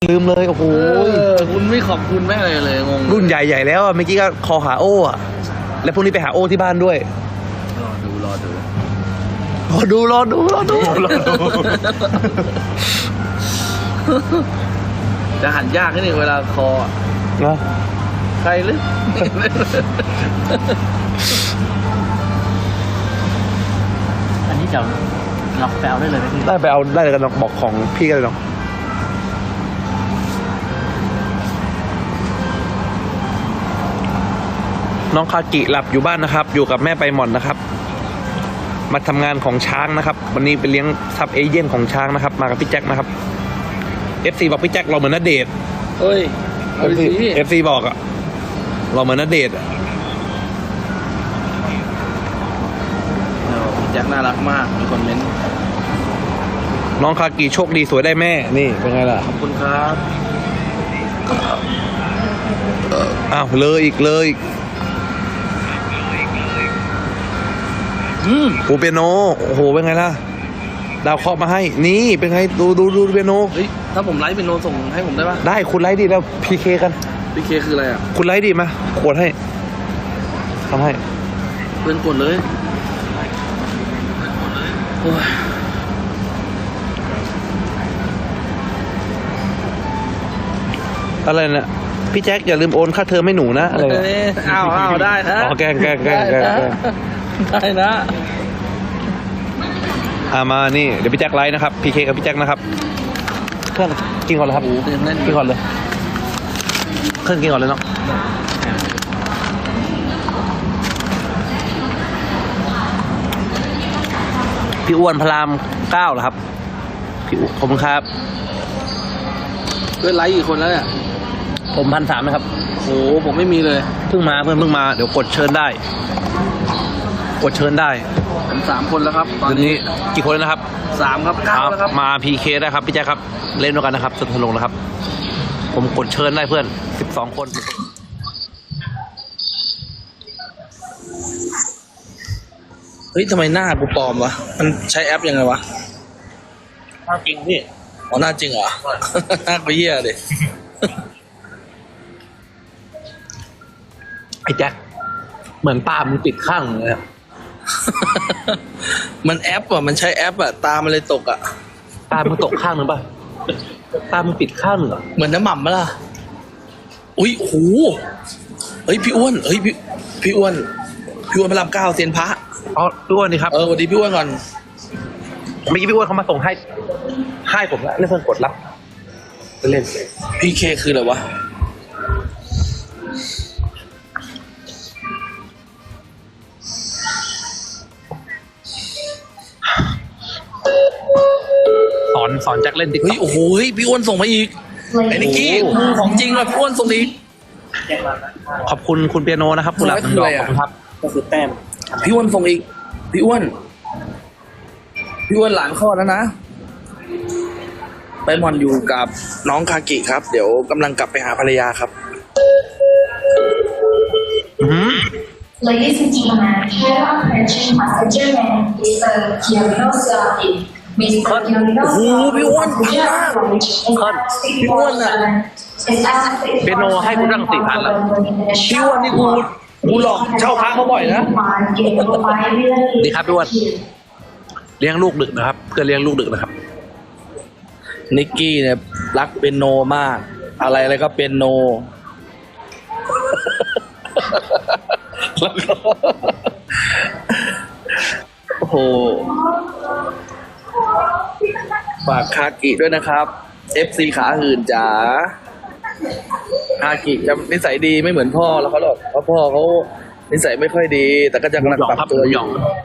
ลืมเลยโอ้โหคุณไม่ขอบคุณแม่เลยงงรุ่นใหญ่ๆแล้วเมื่อกี้ก็คอหาโอ้อะแล้วพรุ่งนี้ไปหาโอ้ที่บ้านด้วยรอดูจะหันยากนิดนึงเวลาคอนะใครหรืออันนี้จะล็อกแปลได้เลยไหมพี่ได้ไปเอาได้เลยกันบอกของพี่กันเลยเนาะน้องคากิหลับอยู่บ้านนะครับอยู่กับแม่ไปหม่อนนะครับมาทำงานของช้างนะครับวันนี้ไปเลี้ยงซับเอเย่นของช้างนะครับมากับพี่แจ็คนะครับ FC บอกพี่แจ็คเราเหมือนณเดชน์เฮ้ย FC บอกอะเราเหมือนณเดชน์แจ็คน่ารักมากมีคนเม้นน้องคากิโชคดีสวยได้แม่นี่เป็นไงล่ะขอบคุณครับอ้าวเลยอีกโอ้เปียโนโอ้โหเป็นไงล่ะดาวเคาะมาให้นี่เป็นไงดูเปียโนเฮ้ยถ้าผมไลฟ์เป็นโนส่งให้ผมได้ปะได้คุณไลฟ์ดิแล้วพีเคกันพีเคคืออะไรอ่ะคุณไลฟ์ดิมาขวดให้ทำให้เพื่อนกดเลยโอ้ยอะไรเนี่ยพี่แจ็คอย่าลืมโอนค่าเทอมให้หนูนะอะไรอ้าวได้นะแกล้งได้นะมานี่เดี๋ยวพี่แจ็คไลฟ์นะครับพีเคกับพี่แจ็คนะครับเครื่องกินก่อนเลยครับกินก่อนเลยเครื่องกินก่อนเลยเนาะพี่อ้วนพระราม9เหรอครับพี่ขอบคุณครับเพื่อนไลฟ์กี่คนแล้วเนี่ยผม1,300นะครับโอ้ผมไม่มีเลยเพิ่งมาเดี๋ยวกดเชิญได้ผม3 คนแล้วครับตอนนี้กี่คนนะครับ 3ครับ9แล้วครับมา PK ได้ครับพี่แจ๊คครับเล่นด้วยกันนะครับสนุกนะครับผมกดเชิญได้เพื่อน12 คนเฮ้ยทำไมหน้ากูปลอมวะมันใช้แอปยังไงวะหน้าจริงพี่อ๋อหน้าจริงเหรอหน้าก็เหี้ยดิไอ้แจ็คเหมือนตามันติดข้างเลยมันแอปอ่ะมันใช้แอปอ่ะตามันเลยตกอ่ะตามันตกข้างนึงป่ะตามันปิดข้างนึงเหรอเหมือนน้ำหม่ำปะล่ะอุ้ยโหเฮ้ยพี่อ้วนเฮ้ยพี่อ้วนพระราม9เซียนพระอ๋อพี่อ้วนนี่ครับสวัสดีพี่อ้วนก่อนเมื่อกี้พี่อ้วนเขามาส่งให้ผมแล้วเล่นเพื่อนกดรับเล่นพี่เคคืออะไรวะสอนแจ็คเล่นติ๊กต็อกโอ้โหพี่อ้วนส่งมาอีกไอ้นิกกี้ของจริงเลยพี่อ้วนส่งอีกขอบคุณคุณเปียโนนะครับคุณหลับดอกขอบคุณครับก็คือแต้มพี่อ้วนส่งอีกพี่อ้วนหลานคลอดแล้วนะไปมอนอยู่กับน้องคากิครับเดี๋ยวกำลังกลับไปหาภรรยาครับ Ladies and gentlemen, here approaching passenger man is the Kiyomiya Saki. Mr. Kiyomiya Saki พี่อ้วนพี่อ้วนอ่ะเปียโนให้กูตั้ง4,000แล้วพี่อ้วนนี่กูหลอกเช่าพระเขาบ่อยนะดีครับพี่อ้วนเลี้ยงลูกดึกนะครับเพื่อเลี้ยงลูกดึกนะครับนิกกี้เนี่ยรักเปียโนมากอะไรก็เปียโนโอ้โหฝากคากิด้วยนะครับ FC ขาหื่นจ๋าคากิจะนิสัยดีไม่เหมือนพ่อแล้วเขาหรอกเพราะพ่อเขานิสัยไม่ค่อยดีแต่ก็จะกำลังปรับตัวอยู่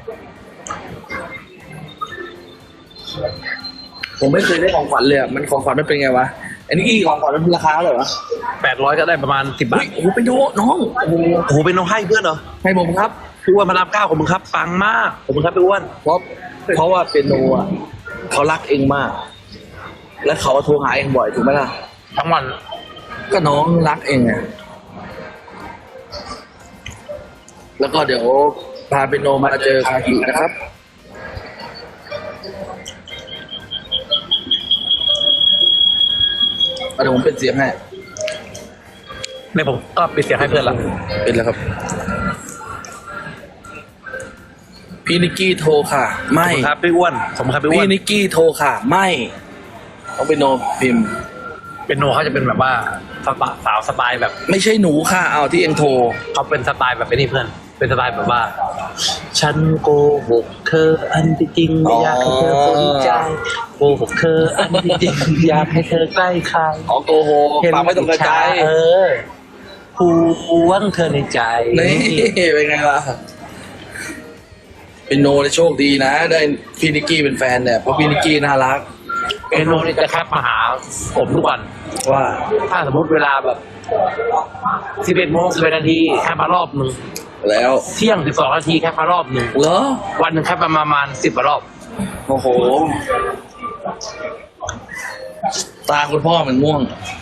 ผมไม่เคยได้ของขวัญเลยมันของขวัญมันเป็นไงวะอันนี้ของขวัญมันราคาเท่าไหร่วะ 800ก็ได้ประมาณ10 บาทโอ้โหไปดูน้องโอ้โหเป็นน้องให้เพื่อนเหรอให้ผมครับพี่อ้วนพระราม9ของมึงครับปังมากผมครับพี่อ้วนเพราะว่าเปียโนอ่ะเขารักเองมากและเขาโทรหาเองบ่อยถูกไหมล่ะทั้งวันก็น้องรักเองไงแล้วก็เดี๋ยวพาเปียโนมาเจอคากินะครับเดี๋ยวผมเป็นเสียงให้ในผมก็ปิดเสียงให้เพื่อนละเป็นแล้วครับ พี่นิกกี้โทรค่ะ ไม่ครับพี่อ้วนผมครับพี่อ้พี่วนนิกกี้โทรค่ะ ไม่ต้องเป็นโนพิมพ์เป็นโนเขาจะเป็นแบบว่าสาวสไตล์แบบไม่ใช่หนูค่ะ เอาที่เองโทรเขาเป็นสไตล์แบบนี้เพื่อน เป็นสไตล์แบบว่า ฉันโกหกเธออันที่จริงไม่อยากให้เธอสนใจโกหกเธออันที่จริงอยากให้เธอใกล้ใครอ๋อโกหกปากไม่ต้องกระจายเออผู้หวังเธอในใจนี่เป็นไงล่ะ เป็นโนในโชคดีนะ ได้พี่นิกกี้เป็นแฟนเนี่ยเพราะพี่นิกกี้น่ารักเป็นโนนี่จะแคปมาหาผมทุกวันว่าถ้าสมมติเวลาแบบ11 โมง 11 นาทีแค่มารอบหนึ่งแล้วเที่ยง 12 นาทีแค่มารอบหนึ่งเหรอวันหนึ่งแค่ประมาณ10 รอบโอ้โห ตาคุณพ่อมันม่วง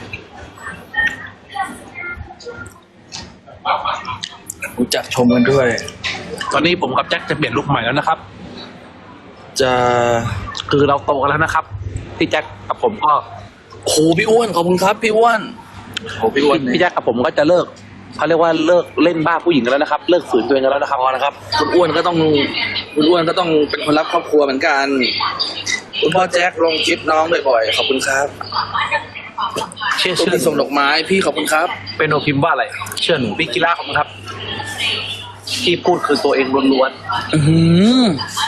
รู้จักชมกันด้วยตอนนี้ผมกับแจ็คจะเปลี่ยนลุคใหม่แล้วนะครับจะคือเราโตกันแล้วนะครับพี่แจ็คกับผมก็โอ้โหพี่อ้วนขอบคุณครับพี่อ้วนโอ้พี่อ้วนพี่เนี่ยแจ็คกับผมก็จะเลิกเขาเรียกว่าเลิกเล่นบ้าผู้หญิงกันแล้วนะครับ เลิกฝืนตัวเองกันแล้วนะครับพอนะครับ คุณอ้วนก็ต้องเป็นคนรักครอบครัวเหมือนกัน คุณพ่อแจ็คลงคลิปน้องบ่อยๆขอบคุณครับเชื่อที่ส่งดอกไม้พี่ขอบคุณครับเป็นโนพิมพ์ว่าอะไร เชื่อหนูพี่กีฬาของครับ ที่พูดคือตัวเองล้วนอือหือ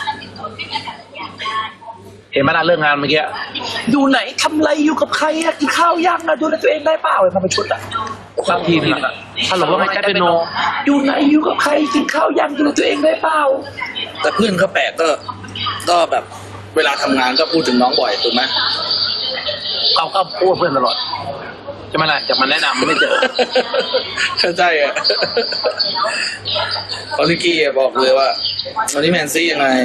ๆเห็นไหมล่ะเรื่องงานเมื่อกี้อยู่ไหนทำอะไรอยู่กับใครอะกินข้าวยังอะดูแลตัวเองได้เปล่าเลยมาเป็นชุดอะบางทีนึงอะถ้าเราว่าไม่แจ็คเป็นโนอยู่ไหนอยู่กับใครกินข้าวยังดูแลตัวเองได้เปล่าแต่เพื่อนเขาแปลกก็แบบเวลาทำงานก็พูดถึงน้องบ่อยถูกไหมเขาก็พูดเพื่อนตลอดใช่ไหมล่ะจะมาแนะนำไม่เจอเข้าใจอ่ะพอลิกี้อะบอกเลยว่าวันนี้แมนซี่ยังไง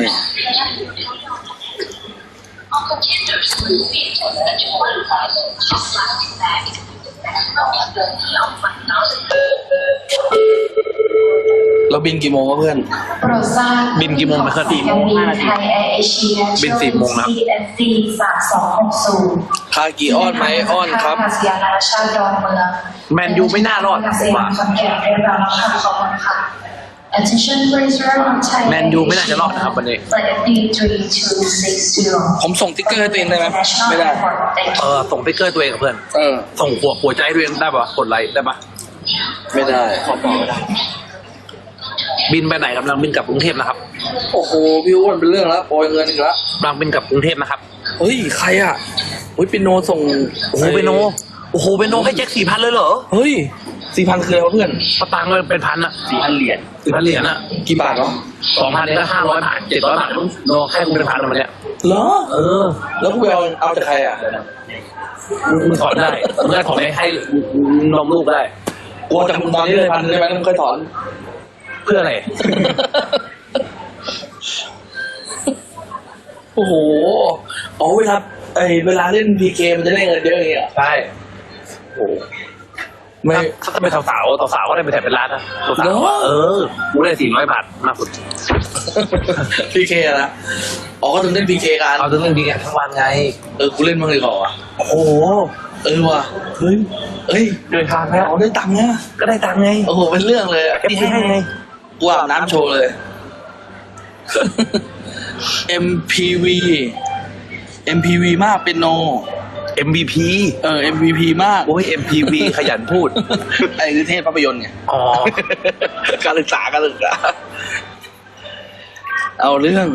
เราบินกี่โมงวะเพื่อนโปรดทราบบินกี่โมงนะครับการบินไทยแอร์เอเชียบิน4 โมงนะครับ CFC 3260 คากี่อ้อนไหมอ้อนครับท่าอากาศยานนานาชาติดอนเมืองแมนยูไม่น่ารอดท่าอากาศยานขอนแก่นได้รับค่ะขอบคุณค่ะ Attention please on Thai แมนยูไม่น่าจะรอดนะครับวันนี้ Flight FD3260 ผมส่งติ๊กเกอร์ให้ตัวเองได้ไหมไม่ได้ส่งสติ๊กเกอร์ตัวเองกับเพื่อนเออส่งหัวใจให้ตัวเองได้ปะกดไลค์ได้ปะไม่ได้ขอบอกไม่ได้บินไปไหนกำลังบินกลับกรุงเทพนะครับโอ้โหพี่อ้วนเป็นเรื่องแล้วโปรยเงินอีกแล้วกำลังบินกลับกรุงเทพนะครับเฮ้ยใครอ่ะเฮ้ยเป็นโนส่งโอ้โหเปโนให้แจ็ค4,000เลยเหรอเฮ้ย4,000คืออะไรวะเพื่อนสตางค์เลยเป็นพันอะ 4,000 เหรียญ 4,000 เหรียญอะกี่บาทเนาะ 2,000เนี่ยก็500 บาท700 บาทโนให้กูเป็นพันวันเนี้ยเหรอเออแล้วกูไปเอาจากใครอ่ะมึงถอนได้มึงก็ถอนให้นมลูกได้กูเอาจากมึงตอนนี้เลย1,000ได้ไหมแล้วมึงค่อยถอนเพื่ออะไรโอ้โหอ๋อเวลาเล่นพีเกมันจะได้เงินเยอะอย่างเงี้ยใช่โอ้โหไม่ถ้าเป็นสาวก็ได้ไปแถบเป็นล้านนะสาวเหรอเออกูได้400 บาทมากสุดพีเคนะอ๋อก็ถึงเล่นพีเคกันเอาถึงเรื่องดีกันทั้งวันไงกูเล่นมั่งเลยก่อนอ่ะโอ้โหว่ะเฮ้ยเดินทางแล้วอ๋อได้ตังค์นะก็ได้ตังค์ไงโอ้โหเป็นเรื่องเลยอะพี่ให้ไงกูอาบน้ำโชว์เลย MPV มากเป็นโน MVP MVP มากโอ้ย MPV ขยันพูดไอ้คือเทพภาพยนตร์ไงอ๋อการศึกษาเอาเรื่อง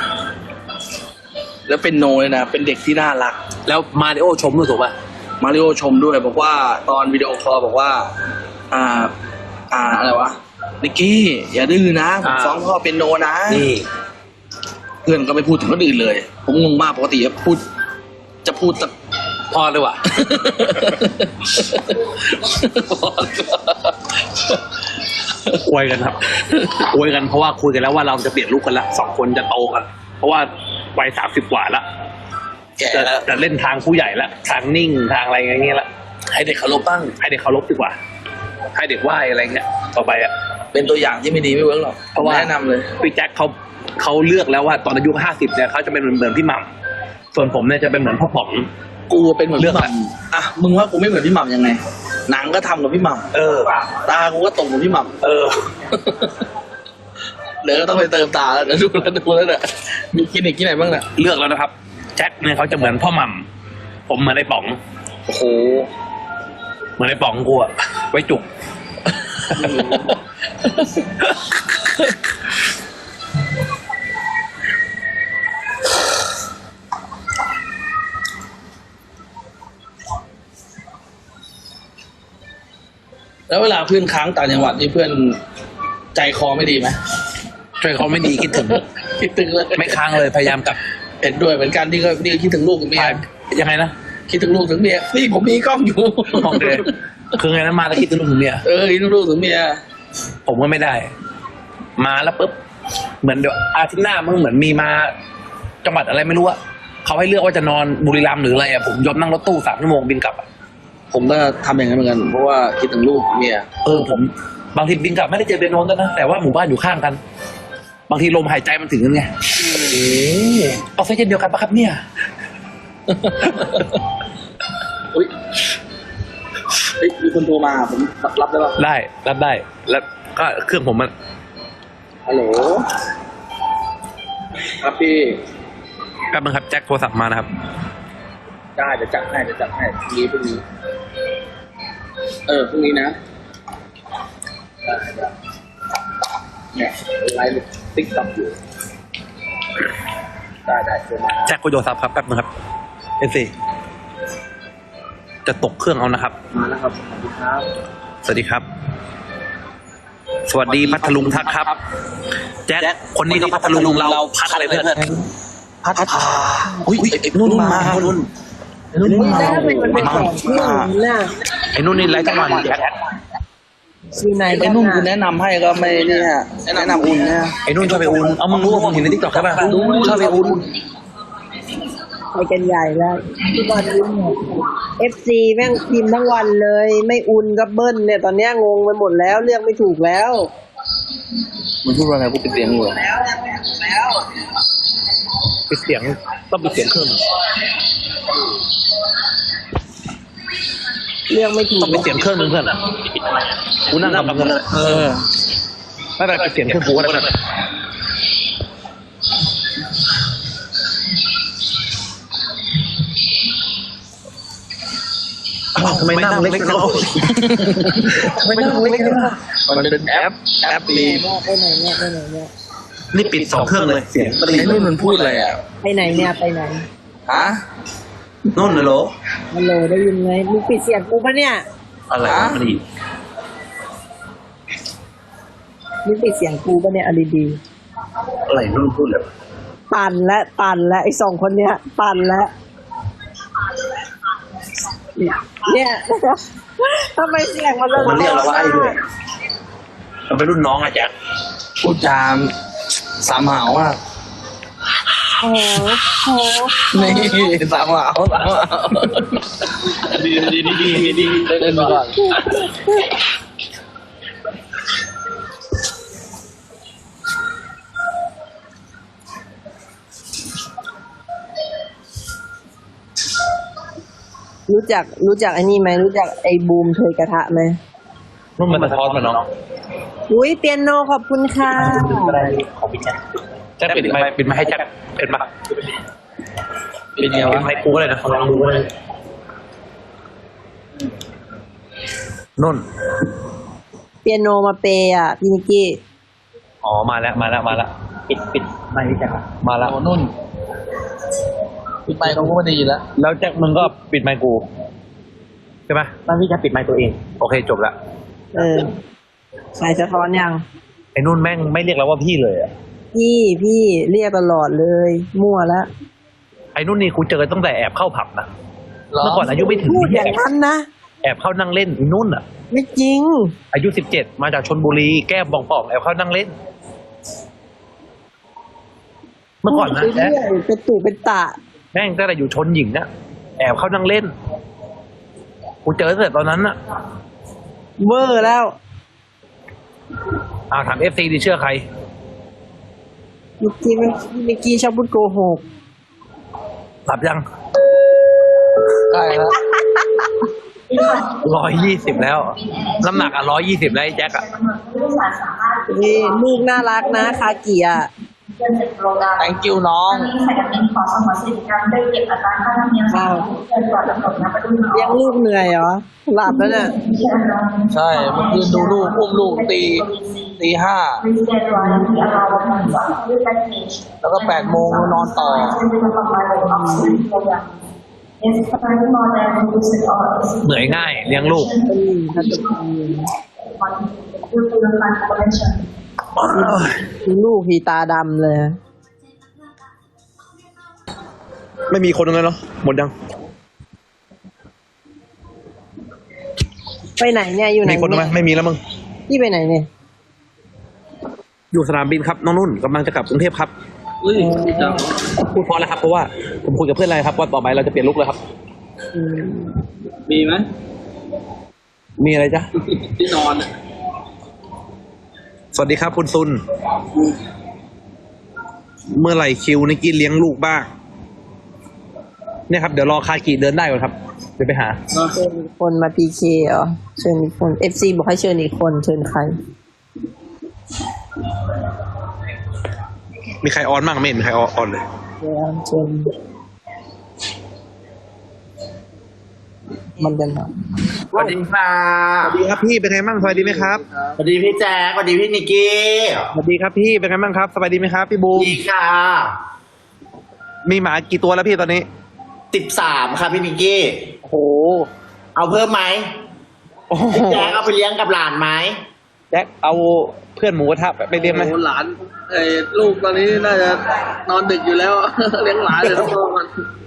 แล้วเป็นโนเลยนะเป็นเด็กที่น่ารักแล้วมาริโอชมด้วยถูกป่ะมาริโอชมด้วยบอกว่าตอนวิดีโอคอลบอกว่า อะไรวะนิกกี้อย่าดื้อนะผมฟ้องพ่อเป็นโนนะนี่เพื่อนก็ไม่พูดถึงคนอื่นเลย ผมงงมากปกติจะพูดแต่พอเลยว่ะ อวยกันครับ อวยกันเพราะว่าคุยกันแล้วว่าเราจะเปลี่ยนลูกกันละ2 คนจะโตกัน เพราะว่าวัย30 กว่าละแก่แล้วจะเล่นทางผู้ใหญ่ละทางนิ่งทางอะไรอย่างเงี้ยละให้เด็กเคารพบ้างให้เด็กเคารพดีกว่า ให้เด็กไหว้อะไรเงี้ยต่อไปอ่ะเป็นตัวอย่างที่ไม่ดีไม่เวิร์กหรอกเพราะว่าแนะนำเลยพี่แจ็คเขาเลือกแล้วว่าตอนอายุ50เนี่ยเขาจะเป็นเหมือนพี่หม่ำส่วนผมเนี่ยจะเป็นเหมือนพ่อป๋องกูเป็นเหมือนเลืพี่อกหม่ำอ่ะมึงว่ากูไม่เหมือนพี่หม่ำยังไง หนังก็ทำกับพี่หม่ำตากูก็ตรงกับพี่หม่ำเดี๋ยวก็ต้องไปเติมตาแล้วเดี๋ยวดูแล้วเนี่ยมีคลินิกที่ไหนบ้างเนี่ยเลือกแล้วนะครับแจ็คเนี่ยเขาจะเหมือนพ่อหม่ำผมเหมือนไอ้ป๋องโอ้โหเหมือนไอ้ป๋องกูอะไว้จุกแล้วเวลาเพื่อนค้างต่างจังหวัดนี่เพื่อนใจคอไม่ดีไหมช่วยเขาไม่ดีคิดถึงคิดถึงเลยไม่ค้างเลยพยายามกลับเห็นด้วยเหมือนกันที่ก็คิดถึงลูกถึงเมียยังไงนะคิดถึงลูกถึงเมียนี่ผมมีกล้องอยู่โอเคคือไงนะมาแล้วคิดถึงลูกถึงเมียคิดถึงลูกถึงเมียผมก็ไม่ได้ มาแล้วปุ๊บเหมือนเดี๋ยวอาทิตย์หน้ามึงเหมือนมีมาจังหวัดอะไรไม่รู้อะเขาให้เลือกว่าจะนอนบุรีรัมย์หรืออะไรอะผมยอมนั่งรถตู้3 ชั่วโมงบินกลับอะผมก็ทำอย่างนั้นเหมือนกันเพราะว่าคิดถึงลูกเมียผมบางทีบินกลับไม่ได้เจอเบนโนนแล้วนะแต่ว่าหมู่บ้านอยู่ข้างกัน บางทีลมหายใจมันถึงกันไงออกซิเจนเดียวกันปะครับเนี่ยอุ้ยมีคนโทรมาผมรับได้ป่ะได้รับได้ แล้วก็เครื่องผมมันฮัลโหลครับพี่กำลังครับแจ็คโทรศัพท์มานะครับได้จะจัดให้พรุ่งนี้พรุ่งนี้นะได้เนี่ยไลฟ์ติ๊กต็อกอยู่ได้โทรมาแจ็คคุยโทรศัพท์ครับแป๊บนึงครับเอฟซีจะตกเครื่องเอานะครับมาแล้วครับสวัสดีครับสวัสดีครับ สวัสดีพัทลุงทักครับ แจ็คคนนี้ก็พัทลุงเราพัดอะไรเพื่อนพัดพาอุ้ยไอ้นุ่นมานุ่นมาแล้วทำไมมันเป็นของที่หนูน่ะไอ้นู่นนี่ไรทั้งวันแจ็คมีไหนไอ้นุ่นกูแนะนำให้ก็ไม่เนี่ยแนะนำอุ่นนะไอ้นู่นชอบไปอุ่นเอามึงรู้ว่าผมเห็นในทิกตอกใช่ป่ะชอบไปอุ่นไปกันใหญ่แล้วทุกวันนี้FC แม่งพิมพ์ทั้งวันเลย ไม่อุ่นก็เบิ้ลเนี่ย ตอนเนี้ยงงไปหมดแล้วเลือกไม่ถูกแล้วมันพูดว่าอะไรกูเป็นเสียงอยู่ปิดเสียงต้องปิดเสียงเครื่องเลือกไม่ถูกต้องปิดเสียงเครื่องนึงเพื่อนกูนั่งกับมึงเลยไม่เป็นไรปิดเสียงเครื่องกูก็ได้ทำไมนั่งเล็กจังทำไมนั่งเล็กจังมันเป็นแอปดีไปไหนเนี่ยไปไหนเนี่ยนี่ปิด2 เครื่องเลยเสียงไอ้นุ่นมันพูดอะไรอ่ะไปไหนเนี่ยไปไหนฮะนู่นเลยโหลฮัลโหลได้ยินไหมมึงปิดเสียงกูปะเนี่ยอะไรวะมันอีกมึงปิดเสียงกูปะเนี่ยเอาดีอะไรนู่นพูดเลยๆปั่นและไอ้2 คนเนี้ยปั่นและเนี่ย ทำไมเสียงมันมันเรียกเราว่าไอ้ด้วยมันเป็นรุ่นน้องอะแจ็คพูดจามสามหาวอ่ะโอ้โหนี่สามหาวดีเล่นก่อนรู้จักไอ้นี่ไหมรู้จักไอ้บูมเทยกระทะไหมนู่นมันสะท้อนมาน้องอุ้ยเปียโนขอบคุณค่ะของพี่แจ็คแจ็คปิดไมค์ให้แจ็คเป็นปะเป็นไงปิวะดไมค์กูก็เลยนะลองดูก็เลยนุ่นเปียโนมาเปย์อ่ะพี่นิกกี้อ๋อมาแล้วปิดไมค์พี่แจ็คมาแล้วโอ้นุ่นปิดไมค์เขาก็ไม่ดีแล้วแล้วแจ็คมึงก็ปิดไมค์กูใช่ไหมตอนพี่แจ็คปิดไมค์ตัวเองโอเคจบละสายสะท้อนยังไอ้นุ่นแม่งไม่เรียกเราว่าพี่เลยอะพี่เรียกตลอดเลย มั่วแล้วไอ้นุ่นนี่กูเจอตั้งแต่แอบเข้าผับนะเมื่อก่อนอายุไม่ถึงพูดอย่างนั้นนะแอบเข้านั่งเล่นไอ้นุ่นอ่ะไม่จริงอายุ17มาจากชลบุรีแก้มป่องๆแอบเข้านั่งเล่น เมื่อก่อนนะพูดไปแจ๊คเรื่อยเป็นตู่เป็นตะแม่งตั้งแต่อยู่ชนหญิงนะแอบเข้านั่งเล่นกูเจอตั้งแต่ตอนนั้นน่ะเวอร์แล้วถามFC ดิเชื่อใครนิกกี้ชอบพูดโกหกหลับยังใกล้แล้ว 120แล้วน้ำหนัก120แล้วไอ้แจ็คอะนี่ลูกน่ารักนะคากิอ่ะ thank you น้องเลี้ยงลูกเหนื่อยเหรอหลับแล้วเนี่ยใช่เมื่อคืนดูลูกอุ้มลูกตีห้าแล้วก็8 โมงนอนต่อเหนื่อยง่ายเลี้ยงลูกดูลูกทีตาดำเลยไม่มีคนเลยเนาะหมดยังไปไหนเนี่ยอยู่ไหนมีคนไหมเนี่ยไม่มีแล้วมึงพี่ไปไหนเนี่ยอยู่สนามบินครับน้องนุ่นกำลังจะกลับกรุงเทพครับพูดพอแล้วครับเพราะว่าผมคุยกับเพื่อนอะไรครับว่าต่อไปเราจะเปลี่ยนลุกเลยครับมีไหมมีอะไรจ๊ะที่นอนอะสวัสดีครับคุณซุน เมื่อไหร่คิวนิกกี้เลี้ยงลูกบ้างเนี่ยครับเดี๋ยวรอคากิเดินได้ก่อนครับเดี๋ยวไปหาเชิญอีกคนมาพีเคเหรอเชิญอีกคน FC บอกให้เชิญอีกคนเชิญใครมีใครออนบ้างไม่เห็นใครออนเลยเดี๋ยวเชิญมันจะมาสวัสดีค่ะสวัสดีครับพี่เป็นไงบ้างสบายดีไหมครับสวัสดีพี่แจ๊คสวัสดีพี่นิกกี้สวัสดีครับพี่เป็นไงบ้างครับสบายดีไหมครับพี่บูมดีค่ะมีหมากี่ตัวแล้วพี่ตอนนี้ 13ค่ะพี่นิกกี้โอ้โหเอาเพิ่มไหมโอ้โหพี่แจ๊คเอาไปเลี้ยงกับหลานไหมแจ็คเอาเพื่อนหมูกระทะไปเลี้ยงไหมโอ้หลานลูกตอนนี้น่าจะนอนดึกอยู่แล้ว เลี้ยงหลานเลยต้องรอมัน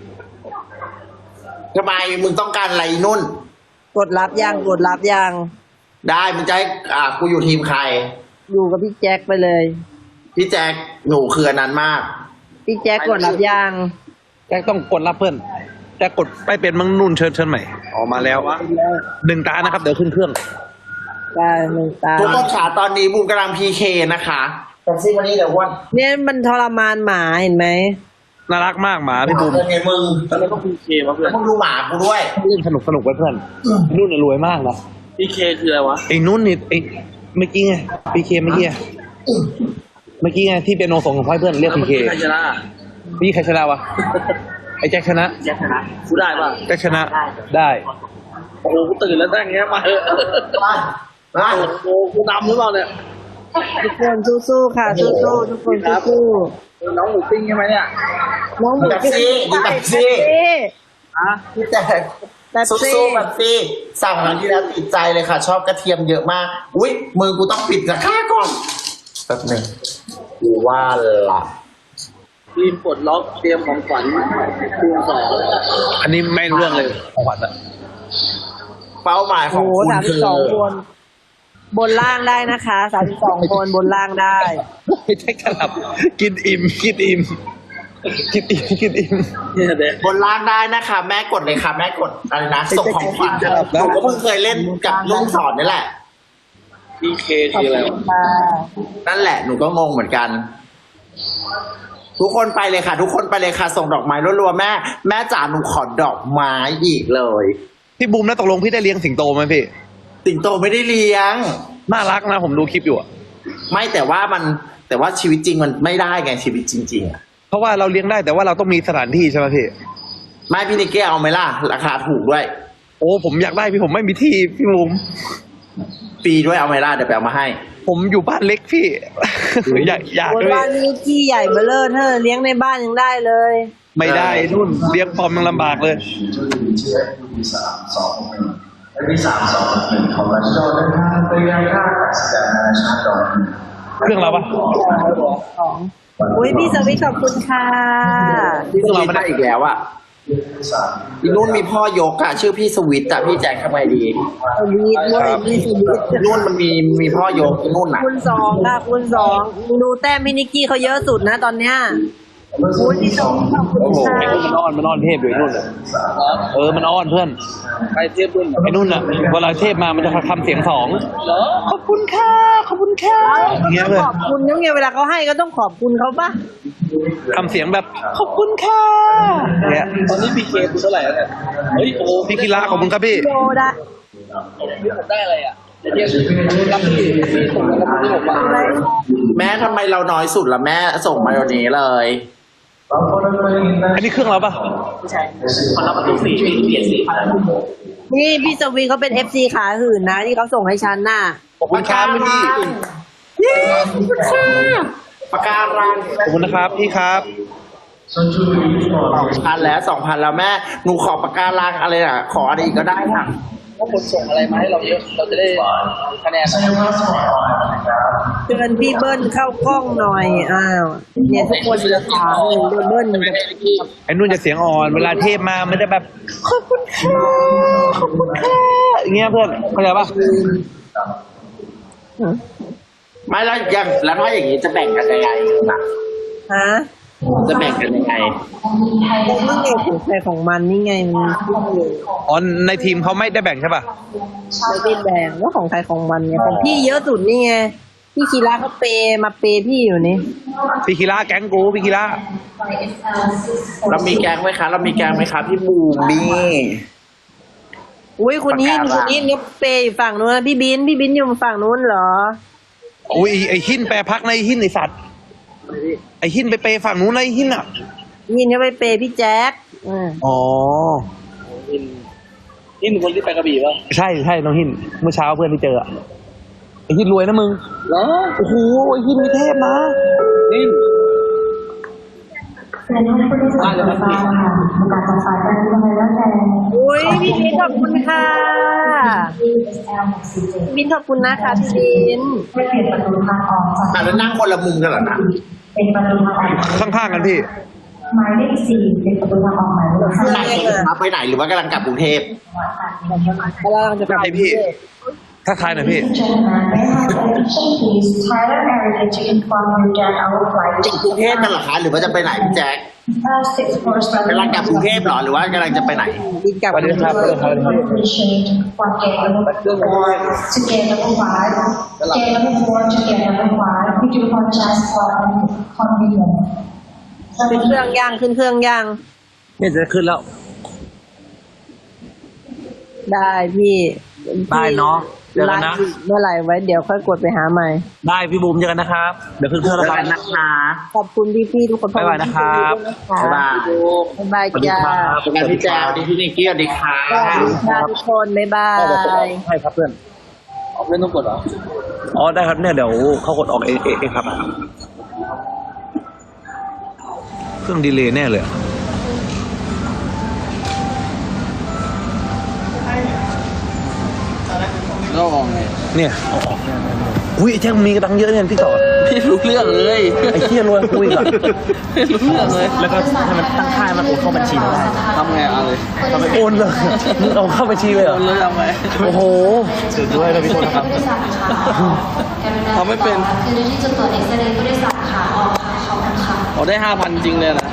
ทำไมมึงต้องการอะไรนุ่นกดรับยังกดรับยังได้มึงจะให้กูอยู่ทีมใครอยู่กับพี่แจ็คไปเลยพี่แจ๊คหนูคืออันนั้นมากพี่แจ็คกดรับยังแจ็คต้องกดรับเพื่อนแจ็คกดไปเป็นมังนุ่นเชิญใหม่ออกมาแล้ว1 ตานะครับเดี๋ยวขึ้นเครื่องได้หนึ่งตาทุกคนขาตอนนี้บูมกำลังพีเคนะคะแต่ซิวันนี้เดี๋ยววันเนี่ยมันทรมานหมาเห็นไหมน่ารักมากหมาพี่บูมเป็นไงมึงแล้วก็พีเคมาเพื่อนมึงดูหมากูด้วยเล่นสนุกไว้เพื่อนนุ่นน่ะรวยมากนะพีเคคืออะไรวะไอ้นุ่นนี่ไอ้เมื่อกี้ไงพีเคเมื่อกี้ไงที่เป็นโนส่งของพ่อเพื่อนเรียกพีเคใครชนะพี่ใครชนะวะไอ้แจ็คชนะแจ็คชนะกูได้ป่ะแจ็คชนะได้โอ้โหกูตื่นแล้วได้ไงมาเถอะมาโอ้โหกูนำหรือเปล่าเนี่ยทุกคนสู้ๆค่ะสู้ๆทุกคนสู้น้องหมูปิ้งใช่ไหมเนี่ยๆน้องหมูแบบซี่ดีแบบซี่อ่ะพี่แจ๊คแบบสู้ซี่ๆแบบซี่สั่งครั้งที่แล้วติดใจเลยค่ะ ชอบกระเทียมเยอะมาก อุ้ยมือกูต้องปิดนะค่าก่อนแป๊บหนึ่งกูว่าละทีมปลดล็อกเตรียมของขวัญคูณ2 อันนี้ไม่รู้เรื่องเลยของขวัญอะเป้าหมายขโอ้องโหคุณ 32 คือคนบนล่างได้นะคะ32 คนบนล่างได้ไอ้แจ็คจะหลับกินอิ่มเนี่ยเด็กบนล่างได้นะคะ แม่กดเลยค่ะ แม่กดอะไรนะส่งของขวัญหนูก็เพิ่งเคยเล่นกับลุงสอนนี่แหละพีเคคืออะไรวะค่ะนั่นแหละหนูก็งงเหมือนกัน ทุกคนไปเลยค่ะ ทุกคนไปเลยค่ะ ส่งดอกไม้รัวๆแม่จ๋าหนูขอดอกไม้อีกเลยพี่บูมแล้วตกลงพี่ได้เลี้ยงสิงโตไหมพี่สิงโตไม่ได้เลี้ยงน่ารักนะผมดูคลิปอยู่อะไม่แต่ว่าชีวิตจริงมันไม่ได้ไงชีวิตจริงๆอะเพราะว่าเราเลี้ยงได้แต่ว่าเราต้องมีสถานที่ใช่ไหมพี่ไม่พี่นิกเก้เอาไหมล่ะ ราคาถูกด้วยโอ้ผมอยากได้พี่ผมไม่มีที่พี่บูมฟรีด้วยเอาไหมล่ะเดี๋ยวไปเอามาให้ผมอยู่บ้านเล็กพี่ อยากบนด้วยบ้านนี้ที่ใหญ่เบ้อเร่อเธอเลี้ยงในบ้านยังได้เลยไม่ได้นุ่นเลี้ยงปอมยังลำบากเลย เครื่องเราปะอุ้ยพี่สวิทย์ขอบคุณค่ะพี่สวิตมาอีกแล้วอ่ะอีนุ่นมีพ่อยกอะชื่อพี่สวิตอะพี่แจ็คทำไงดีสวิทย์ด้วยพี่สวิทย์อีนุ่นมันมีพ่อยกอีนุ่นอะคูณ 2ค่ะคูณ 2ดูแต้มพี่นิกกี้เขาเยอะสุดนะตอนเนี้ยอุ้ยพี่สวิทย์ขอบคุณค่ะไอ้นุ่นมันอ้อนเทพอยู่ไอ้นุ่นอะมันอ้อนเพื่อนไปเทียบรุ่นไอ้นุ่นอ่ะเวลาเทพมามันจะทำเสียงสองเหรอขอบคุณค่ะอย่างเงี้ยเลยขอบคุณยังไงเวลาเขาให้ก็ต้องขอบคุณเขาปะทำเสียงแบบขอบคุณค่ะเนี่ยตอนนี้พีเคคุณเท่าไหร่แล้วเนี่ยเฮ้ยโอ้พี่กีฬาขอบคุณครับพี่โยได้ผมได้อะไรอ่ะเดี๋ยวรับพี่ส่งมาแล้วพี่ผมมาอะไรแม่ทำไมเราน้อยสุดละแม่ส่งมาวันนี้เลยอันนี้เครื่องเราปะคนรับประตู4ที่เปลี่ยนสีนี่พี่สวีเขาเป็น FC ขาหื่นนะที่เขาส่งให้ฉันน่ะขอบคุณครับพี่ปากการังขอบคุณนะครับพี่ครับ 2,000แล้ว2,000แล้วแม่หนูขอปากการังอะไรอ่ะขออะไรอีกก็ได้ค่ะถ้าคนส่งอะไรมาให้เราเยอะเราจะได้คะแนนเชิญพี่เบิ้ลเข้ากล้องหน่อยอ้าวเนี่ยทุกคนจะถามเลยเบิ้ลกับไอ้นุ่นจะเสียงอ่อนเวลาเทพมามันจะแบบขอบคุณค่ะขอบคุณค่ะอย่างเงี้ยเพื่อนเข้าใจปะไม่แล้วอย่างแล้วถ้าอย่างนี้จะแบ่งกันยังไงนะฮะจะแบ่งกันยังไงนี่ไงของใครของมันนี่ไงมันขึ้นอยู่อ๋อในทีมเขาไม่ได้แบ่งใช่ปะไม่ได้แบ่งว่าของใครของมันไงของพี่เยอะสุดนี่ไงพี่คีราเขาเปย์มาเปย์พี่อยู่นี่พี่กีฬาแก๊งกูพี่กีฬาเรามีแกงไหมคะเรามีแกงไหมคะพี่บูมนี่อุ้ยคนนี้ประกาศคนนี้เนี่ยเปย์อยู่ฝั่งนู้นนะพี่บินอยู่ฝั่งนู้นเหรออุ้ยไอ้หินแปรพักในหินไอสัตว์ไอ้หินไปเปย์ฝั่งนู้นไอ้หินอ่ะยินเขาไปเปย์พี่แจ๊คอ๋อนี่เป็นคนที่ไปกระบี่ป่ะใช่น้องหินเมื่อเช้าเพื่อนที่เจออะไอ้หินรวยนะมึงเหรอโอ้โหไอ้หินมีเทพนะนี่และน้องผู้โดยสารไฟฟ้าค่ะประกาศจากสายการบินไทยและแรงอุ้ยพี่บินขอบคุณค่ะ DSL 67 พี่บินขอบคุณนะคะพี่บินให้เปลี่ยนประตูทางออกจากอ่ะแล้วนั่งคนละมุมกันเหรอนะเป็นประตูทางออกข้างๆกันพี่หมายเลข4เป็นประตูทางออกหมายเลขข้างใน 5 รับไปไหนหรือว่ากำลังกลับกรุงเทพกำลังจะกลับไอพี่ ทักทายหน่อยพี่ Gentlemen, may I have attention please? Thailand Airlines to inform you that our flight จริงกรุงเทพกันเหรอคะหรือว่าจะไปไหนพี่แจ๊ค 647 กำลังกลับกรุงเทพเหรอหรือว่ากำลังจะไปไหนบินกลับสวัสดีครับ appreciate for gate number 4 to gate number 5. Gate number 4 to gate number 5. We do apologize for inconvenience. ขึ้นเครื่องย่างขึ้นเครื่องย่างเนี่ยจะขึ้นแล้วได้พี่ได้เนาะเดี๋ยวกันนะไลฟ์เมื่อไหร่ไว้เดี๋ยวค่อยกดไปหาใหม่ได้พี่บูมเจอกันนะครับ เดี๋ยวขึ้นเครื่องแล้วกันนะคะขอบคุณพี่ๆทุกคนบ๊ายบายนะครับบ๊ายบายบ๊ายบายบ๊ายบายจ้าสวัสดีพี่แจ๊คสวัสดีพี่นิกกี้สวัสดีค่ะสวัสดีค่ะทุกคนบ๊ายบายใช่ครับเพื่อนออกเล่นต้องกดเหรออ๋อได้ครับเนี่ยเดี๋ยวเขากดออกเองครับ เครื่องดีเลย์แน่เลยอะก็ออกไงเนี่ยเอาออกเนี่ยอุ้ยไอ้แจ็คมีกระดังเยอะเนี่ยพี่ต่อไม่รู้เรื่องเลยไอ้เที่ยรวยคุยก่อนไม่รู้เรื่องเลยแล้วก็ให้มันตั้งค่ามันโอนเข้าบัญชีเราได้ทำไงเอาเลยโอนเลยมึงเอาเข้าบัญชีเลยเหรอเอาเลยทำไงโอ้โหสุดด้วยนะพี่โทษนะครับทำไม่เป็นคือที่จะตรวจเอ็กซเรย์ผู้โดยสารขาออกค่ะขอบคุณค่ะเอาได้ 5,000 จริงเลยนะ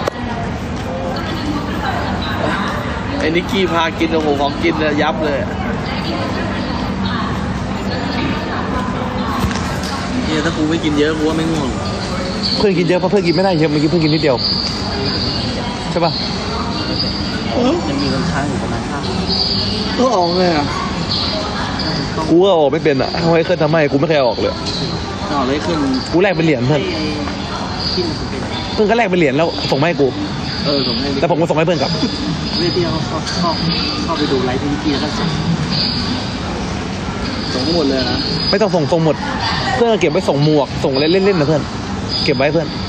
ไอ้นิกกี้พากินโอ้โหของกินเลยยับเลยเนี่ยถ้ากูไม่กินเยอะกูว่าไม่ง่วงเพื่อนกินเยอะเพราะเพื่อนกินไม่ได้เยอะเมื่อกี้เพื่อนกินนิดเดียวใช่ป่ะยังมีเงินค้างอยู่ประมาณ5 ก็ออกเลยอ่ะกูก็ออกไม่เป็นอ่ะทำไมเคยทำให้กูไม่เคยออกเลยออกเลยขึ้นกูแลกเป็นเหรียญเพื่อนที่มันเป็นเพื่อนก็แลกเป็นเหรียญแล้วส่งมาให้กูผมให้แต่ผมก็ส่งให้เพื่อนกลับเรื่องที่เราเข้าไปดูไลฟ์ที่แล้วก็ส่งส่งหมดเลยนะไม่ต้องส่งหมด เพื่อนก็เก็บไว้ส่งหมวกส่งอะไรเล่นๆนะเพื่อน เก็บไว้เพื่อน